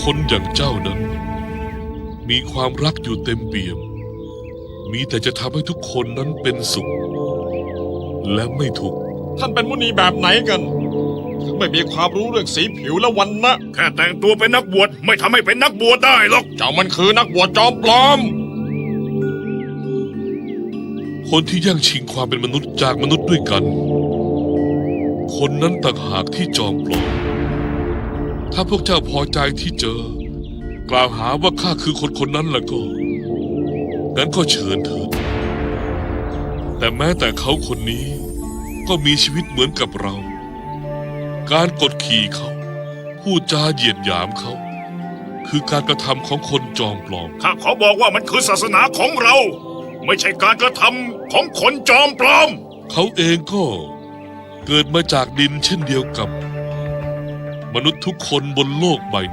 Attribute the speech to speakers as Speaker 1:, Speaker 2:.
Speaker 1: คนอย่างเจ้านั้นมีความรักอยู่เต็มเปี่ยมมีแต่จะทำให้ทุกคนนั้นเป็นสุขและไม่ทุกข์
Speaker 2: ท่านเป็นมุนีแบบไหนกันไม่มีความรู้เรื่องสีผิวและวรรณะ
Speaker 3: แค่แต่งตัวเป็นนักบวชไม่ทำให้เป็นนักบวชได้หรอก
Speaker 2: เจ้ามันคือนักบวชจอมปลอม
Speaker 1: คนที่แย่งชิงความเป็นมนุษย์จากมนุษย์ด้วยกันคนนั้นต่างหากที่จอมปลอมถ้าพวกเจ้าพอใจที่เจอกล่าวหาว่าข้าคือคนคนนั้นแล้วก็งั้นก็เชิญเถิดแต่แม้แต่เขาคนนี้ก็มีชีวิตเหมือนกับเราการกดขี่เขาพูดจาเหยียดหยามเขาคือการกระทำของคนจอมปลอม
Speaker 3: ข้าขอบอกว่ามันคือศาสนาของเรา ไม่ใช่การกระทำของคนจอมปลอม
Speaker 1: เขาเองก็เกิดมาจากดินเช่นเดียวกับมนุษย์ทุกคนบนโลกใบ